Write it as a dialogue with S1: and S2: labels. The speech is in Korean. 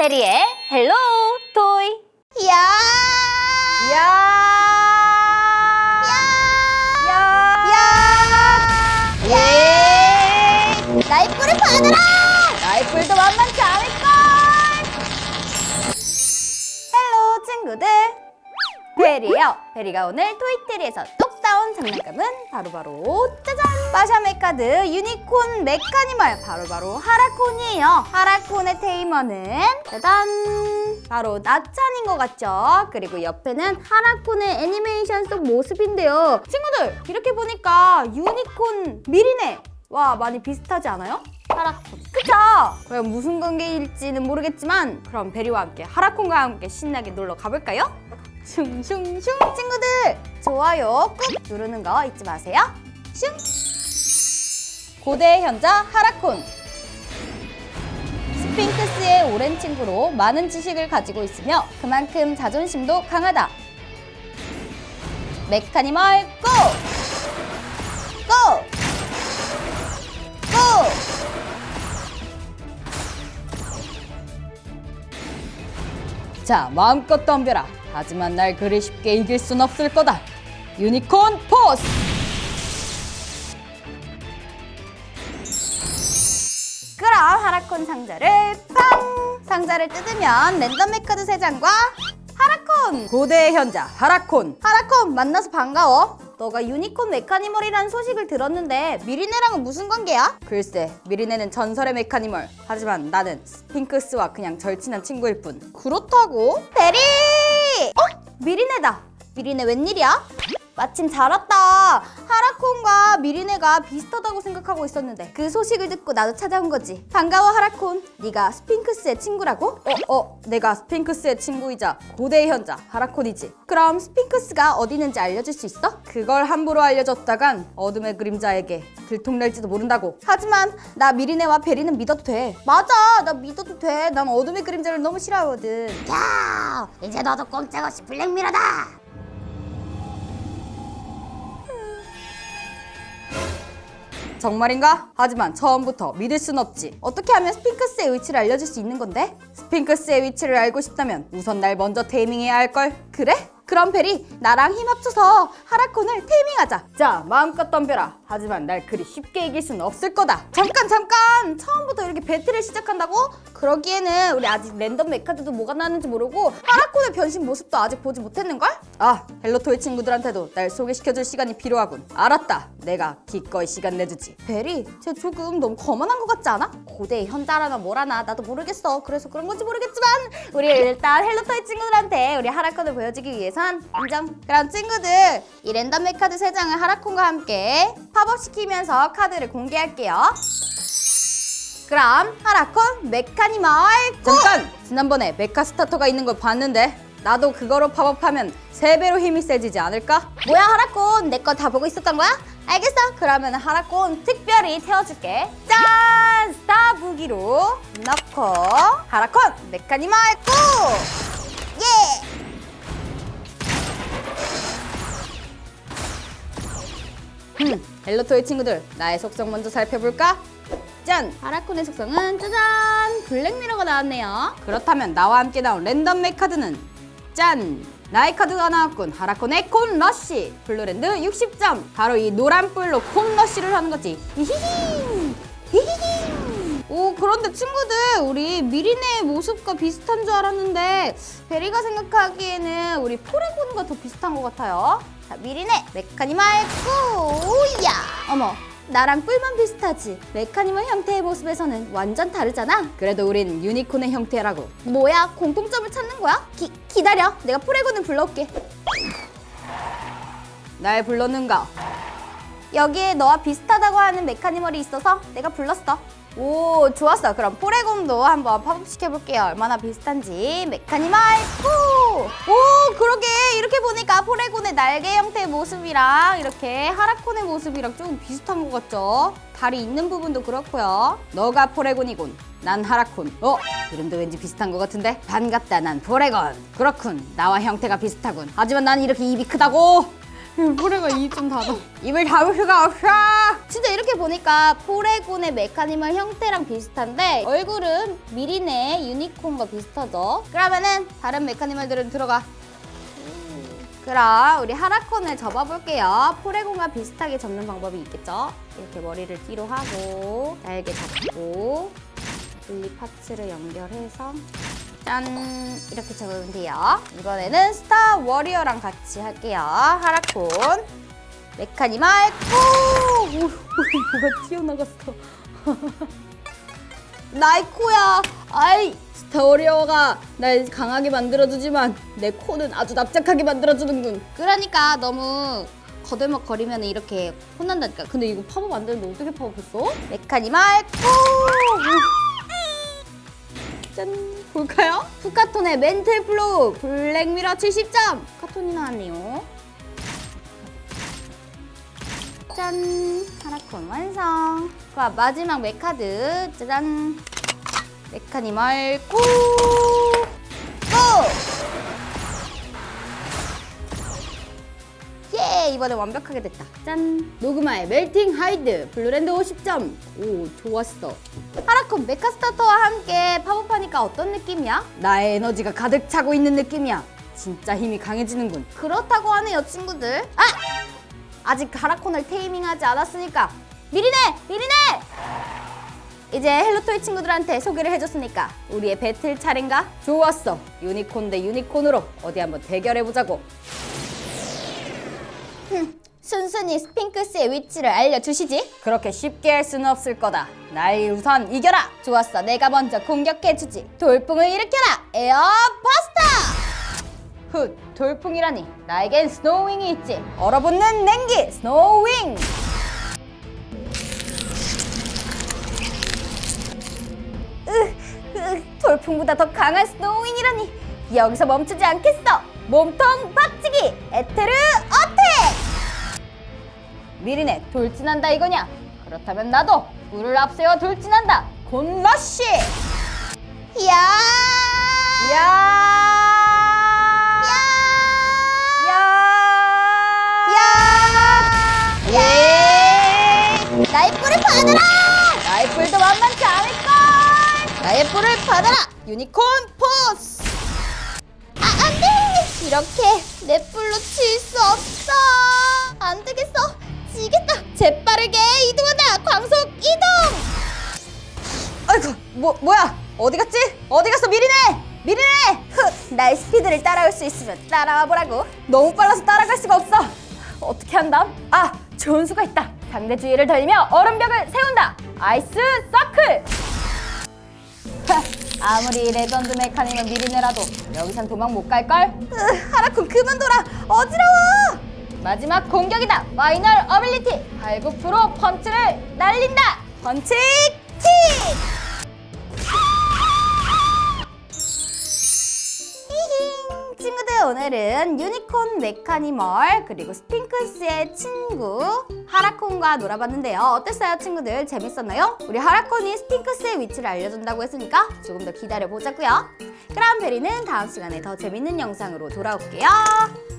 S1: 베리의 헬로 토이.
S2: 야!
S1: 야!
S2: 야! 나의 뿔을 받아라!
S1: 나의 뿔도 만만치 않을걸! 헬로 친구들! 베리예요. 베리가 오늘 토이트리에서 똑 따온 장난감은 바로 짜잔! 마샤메카드 유니콘 메카니멀 바로 하라콘이에요. 하라콘의 테이머는 짜잔! 바로 나찬인 것 같죠? 그리고 옆에는 하라콘의 애니메이션 속 모습인데요. 친구들 이렇게 보니까 유니콘 미리네! 와, 많이 비슷하지 않아요? 하라콘. 그쵸? 과연 무슨 관계일지는 모르겠지만 그럼 베리와 함께 하라콘과 함께 신나게 놀러 가볼까요? 슝슝슝! 친구들! 좋아요 꾹 누르는 거 잊지 마세요. 슝! 고대의 현자 하라콘. 스핑크스의 오랜 친구로 많은 지식을 가지고 있으며 그만큼 자존심도 강하다. 메카니멀 고! 고! 고! 자, 마음껏 덤벼라. 하지만 날 그리 쉽게 이길 순 없을 거다. 유니콘 포스! 그럼 하라콘 상자를 팡! 상자를 뜯으면 랜덤 카드 3장과 하라콘! 고대의 현자 하라콘! 하라콘 만나서 반가워. 너가 유니콘 메카니멀이라는 소식을 들었는데 미리네랑은 무슨 관계야? 글쎄, 미리네는 전설의 메카니멀. 하지만 나는 스핑크스와 그냥 절친한 친구일 뿐. 그렇다고? 베리! 미리네다. 미리네 웬일이야? 마침 잘 왔다. 하라콘과 미리네가 비슷하다고 생각하고 있었는데 그 소식을 듣고 나도 찾아온 거지. 반가워 하라콘. 네가 스핑크스의 친구라고? 내가 스핑크스의 친구이자 고대의 현자 하라콘이지. 그럼 스핑크스가 어디 있는지 알려줄 수 있어? 그걸 함부로 알려줬다간 어둠의 그림자에게 들통날지도 모른다고. 하지만 나 미리네와 베리는 믿어도 돼. 맞아, 나 믿어도 돼. 난 어둠의 그림자를 너무 싫어하거든.
S2: 야! 이제 너도 꼼짝없이 블랙미러다!
S1: 정말인가? 하지만 처음부터 믿을 순 없지. 어떻게 하면 스핑크스의 위치를 알려줄 수 있는 건데? 스핑크스의 위치를 알고 싶다면 우선 날 먼저 테이밍해야 할걸? 그래? 그럼 베리, 나랑 힘 합쳐서 하라콘을 테이밍하자. 자, 마음껏 덤벼라. 하지만 날 그리 쉽게 이길 순 없을 거다. 잠깐! 처음부터 이렇게 배틀을 시작한다고? 그러기에는 우리 아직 랜덤 메카드도 뭐가 나왔는지 모르고 하라콘의 변신 모습도 아직 보지 못했는걸? 아, 헬로토이 친구들한테도 날 소개시켜줄 시간이 필요하군. 알았다. 내가 기꺼이 시간 내주지. 베리, 쟤 조금 너무 거만한 것 같지 않아? 고대의 현자라나 뭐라나 나도 모르겠어. 그래서 그런 건지 모르겠지만 우리 일단 헬로토이 친구들한테 우리 하라콘을 보여주기 위해선 인정. 그럼 친구들, 이 랜덤 메카드 3장을 하라콘과 함께 팝업시키면서 카드를 공개할게요. 그럼 하라콘 메카니멀 고! 잠깐! 지난번에 메카 스타터가 있는 걸 봤는데 나도 그거로 팝업하면 3배로 힘이 세지지 않을까? 뭐야 하라콘, 내 거 다 보고 있었던 거야? 알겠어. 그러면 하라콘 특별히 태워줄게. 짠! 스타 무기로 넣고 하라콘 메카니멀 고!
S2: 예!
S1: 헬로토이 친구들, 나의 속성 먼저 살펴볼까? 짠! 하라콘의 속성은 짜잔! 블랙미러가 나왔네요. 그렇다면 나와 함께 나온 랜덤 메카드는 짠! 나의 카드가 나왔군. 하라콘의 콘러쉬! 블루랜드 60점! 바로 이 노란 뿔로 콘러쉬를 하는 거지. 히히히! 히히히! 오, 그런데 친구들, 우리 미리네의 모습과 비슷한 줄 알았는데 베리가 생각하기에는 우리 포레곤과 더 비슷한 것 같아요. 자, 미리네 메카니멀 꾸! 야! 어머, 나랑 뿔만 비슷하지. 메카니멀 형태의 모습에서는 완전 다르잖아. 그래도 우린 유니콘의 형태라고. 뭐야, 공통점을 찾는 거야? 기다려, 내가 포레곤을 불러올게. 날 불렀는가? 여기에 너와 비슷하다고 하는 메카니멀이 있어서 내가 불렀어. 오, 좋았어. 그럼 포레곤도 한번 팝업시켜볼게요. 얼마나 비슷한지. 메카니멀 푸! 오, 그러게. 이렇게 보니까 포레곤의 날개 형태의 모습이랑 이렇게 하라콘의 모습이랑 좀 비슷한 것 같죠? 다리 있는 부분도 그렇고요. 너가 포레곤이군. 난 하라콘. 이름도 왠지 비슷한 것 같은데? 반갑다, 난 포레곤. 그렇군, 나와 형태가 비슷하군. 하지만 난 이렇게 입이 크다고. 포레가 입 좀 닫아. 입을 닫을 수가 없어. 진짜 이렇게 보니까 포레곤의 메카니멀 형태랑 비슷한데 얼굴은 미린의 유니콘과 비슷하죠. 그러면은 다른 메카니멀들은 들어가. 그럼 우리 하라콘을 접어볼게요. 포레곤과 비슷하게 접는 방법이 있겠죠? 이렇게 머리를 뒤로 하고 날개 잡고 분리 파츠를 연결해서 짠! 이렇게 접으면 돼요. 이번에는 스타 워리어랑 같이 할게요. 하라콘 메카니멀 고! 뭐가 튀어나갔어. 나의 코야. 아이, 스타 워리어가 날 강하게 만들어주지만 내 코는 아주 납작하게 만들어주는군. 그러니까 너무 거들먹거리면 이렇게 혼난다니까. 근데 이거 팝업 안 되는데 어떻게 팝업했어? 메카니멀 고! 짠! 볼까요? 푸카톤의 멘틀 플로우 블랙미러 70점! 푸카톤이 나왔네요. 짠! 하라콘 완성! 자, 마지막 메카드 짜잔! 메카니멀 고! 고! 예! 이번에 완벽하게 됐다. 짠! 노그마의 멜팅 하이드 블루랜드 50점! 오, 좋았어. 하라콘 메카 스타터와 함께 팝업하니까 어떤 느낌이야? 나의 에너지가 가득 차고 있는 느낌이야. 진짜 힘이 강해지는군. 그렇다고 하네요, 친구들. 아! 아직 하라콘을 테이밍하지 않았으니까 미리네! 미리네! 이제 헬로토이 친구들한테 소개를 해줬으니까 우리의 배틀 차례인가? 좋았어. 유니콘 대 유니콘으로 어디 한번 대결해보자고. 순순히 스핑크스의 위치를 알려주시지. 그렇게 쉽게 할 수는 없을 거다. 날 우선 이겨라. 좋았어, 내가 먼저 공격해주지. 돌풍을 일으켜라. 에어 버스터. 훗, 돌풍이라니. 나에겐 스노우윙이 있지. 얼어붙는 냉기 스노우윙. 돌풍보다 더 강한 스노우윙이라니. 여기서 멈추지 않겠어. 몸통 박치기 에테르 어택. 미리네, 돌진한다 이거냐? 그렇다면 나도 불을 앞세워 돌진한다. 곤러쉬. 야! 야! 야! 야! 예! 나의 뿔을 받아라! 나의 뿔도 만만치 않을걸! 나의 뿔을 받아라! 유니콘 포스! 아, 안 돼! 이렇게 내 뿔로 칠 수 없어! 안 되겠어! 지겠다! 재빠르게 이동한다! 광속 이동! 아이고, 뭐야? 어디 갔지? 어디 갔어, 미리네! 미리네! 흑! 나의 스피드를 따라올 수 있으면 따라와 보라고. 너무 빨라서 따라갈 수가 없어. 어떻게 한담? 아, 좋은 수가 있다. 상대 주위를 달리며 얼음벽을 세운다. 아이스 서클! 아무리 레전드 메카닉은 미리네라도 여기선 도망 못 갈걸? 하라콘 그만둬라! 어지러워! 마지막 공격이다! 파이널 어빌리티! 발굽프로 펀치를 날린다! 펀치 킥! 히힝! 친구들, 오늘은 유니콘 메카니멀 그리고 스핑크스의 친구 하라콘과 놀아봤는데요. 어땠어요, 친구들? 재밌었나요? 우리 하라콘이 스핑크스의 위치를 알려준다고 했으니까 조금 더 기다려보자고요. 그럼 베리는 다음 시간에 더 재밌는 영상으로 돌아올게요.